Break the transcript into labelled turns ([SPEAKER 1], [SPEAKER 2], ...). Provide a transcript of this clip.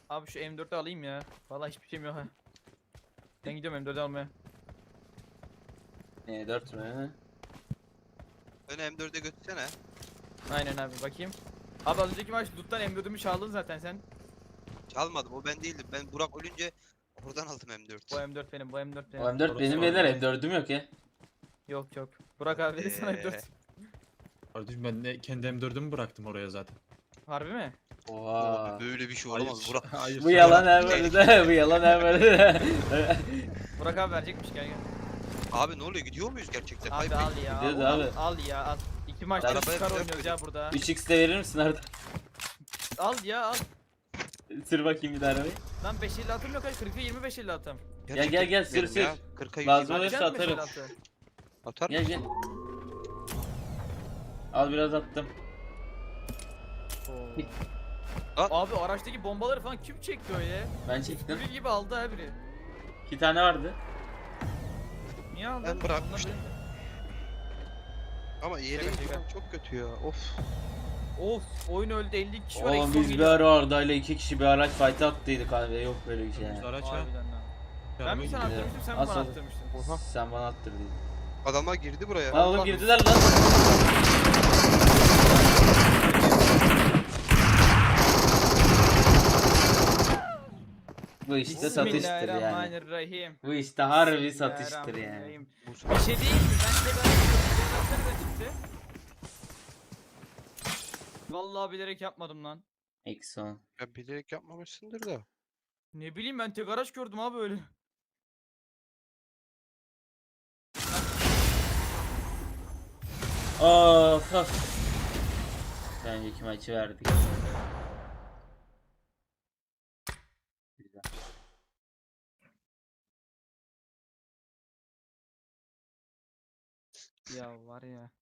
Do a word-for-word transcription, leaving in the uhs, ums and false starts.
[SPEAKER 1] Abi şu M dört'ü alayım ya. Vallahi hiçbir şeyim yok ha. Ben gidiyorum M dört'ü almaya.
[SPEAKER 2] E dört mü?
[SPEAKER 3] Beni M dörde götürsene.
[SPEAKER 1] Aynen abi bakayım. Abi az önceki maç loot'tan M dört'ümü çaldın zaten sen.
[SPEAKER 3] Çalmadım, o ben değildim. Ben Burak ölünce oradan aldım M dört.
[SPEAKER 1] Bu M dört benim, bu M dört benim.
[SPEAKER 2] O M dört
[SPEAKER 4] Orası
[SPEAKER 2] benim
[SPEAKER 4] var
[SPEAKER 2] beyler,
[SPEAKER 4] ya.
[SPEAKER 2] M dördüm yok ya.
[SPEAKER 1] Yok yok. Burak abi verir sana M
[SPEAKER 3] Eee.
[SPEAKER 1] dört.
[SPEAKER 4] Kardeşim ben de kendi M dördümü bıraktım oraya zaten.
[SPEAKER 1] Harbi mi?
[SPEAKER 2] Oha.
[SPEAKER 3] Abi böyle bir şey olamaz Burak.
[SPEAKER 4] Hayır.
[SPEAKER 2] Bu yalan
[SPEAKER 4] sonra-
[SPEAKER 2] her böyle bu yalan her böyle.
[SPEAKER 1] Burak abi verecekmiş gel gel.
[SPEAKER 3] Abi ne oluyor, gidiyor muyuz gerçekten?
[SPEAKER 1] Abi
[SPEAKER 3] Hayır,
[SPEAKER 1] al ya.
[SPEAKER 2] Gidiyoruz
[SPEAKER 1] al,
[SPEAKER 2] abi.
[SPEAKER 1] al ya al. İki maçta
[SPEAKER 3] Arabaya
[SPEAKER 1] çıkar
[SPEAKER 3] bırak
[SPEAKER 1] oynuyoruz
[SPEAKER 3] beni.
[SPEAKER 1] ya burada.
[SPEAKER 2] üç x de verir misin Arda?
[SPEAKER 1] Al ya al.
[SPEAKER 2] Sür bakayım bir daha arabayı.
[SPEAKER 1] Lan beş elli atım yok ha. kırka yirmi beş elli atım.
[SPEAKER 3] gerçekten
[SPEAKER 2] gel, gel,
[SPEAKER 3] gitmeyelim
[SPEAKER 2] sür,
[SPEAKER 3] ya.
[SPEAKER 2] sür.
[SPEAKER 3] kırka yüz
[SPEAKER 2] Lazım
[SPEAKER 3] yirmi.
[SPEAKER 2] olursa
[SPEAKER 1] Atacak mı
[SPEAKER 2] atarım.
[SPEAKER 1] beş elli altı?
[SPEAKER 3] Atar
[SPEAKER 2] Gel
[SPEAKER 3] mısın?
[SPEAKER 2] gel. Al biraz attım.
[SPEAKER 1] Oo. Abi araçtaki bombaları falan kim çekti öyle?
[SPEAKER 2] Ben çektim.
[SPEAKER 1] Biri gibi aldı ha biri.
[SPEAKER 2] İki tane vardı.
[SPEAKER 1] Niye aldın?
[SPEAKER 3] Ben bırakmıştım.
[SPEAKER 1] Onlar benim
[SPEAKER 3] Ama yere
[SPEAKER 1] Şaka, şaka.
[SPEAKER 3] falan çok kötü ya. Of.
[SPEAKER 1] de. Of oyun öldü elli kişi var.
[SPEAKER 2] Oğlum
[SPEAKER 1] eksi on
[SPEAKER 2] biz bir
[SPEAKER 1] geliyor.
[SPEAKER 2] ara Arda'yla iki kişi bir araç fight attıydık abi. Yok böyle bir şey
[SPEAKER 4] Biz
[SPEAKER 2] yani.
[SPEAKER 4] araç ha.
[SPEAKER 1] Harbiden lan. Ben
[SPEAKER 4] Yanıma
[SPEAKER 1] mi sana
[SPEAKER 4] gidiyor.
[SPEAKER 1] attırmıştım sen mi
[SPEAKER 2] Nasıl
[SPEAKER 1] bana
[SPEAKER 2] oldu?
[SPEAKER 1] attırmıştın?
[SPEAKER 3] Oha.
[SPEAKER 2] Sen bana attırdın.
[SPEAKER 3] Adamlar girdi buraya.
[SPEAKER 2] Lan oğlum
[SPEAKER 1] Allah.
[SPEAKER 2] girdiler lan. Bu işte satıştır yani.
[SPEAKER 1] Bismillahirrahmanirrahim.
[SPEAKER 2] Bu işte harbi satıştır yani.
[SPEAKER 1] Bismillahirrahmanirrahim.
[SPEAKER 3] Bu
[SPEAKER 1] Bir şey değil mi? Ben de ben çıktı. Vallahi bilerek yapmadım lan.
[SPEAKER 2] Eksi on.
[SPEAKER 3] Ya bilerek yapmamışsındır da.
[SPEAKER 1] Ne bileyim ben tek araç gördüm abi öyle.
[SPEAKER 2] Of of. Önceki maçı verdik. Güzel.
[SPEAKER 1] Ya var ya.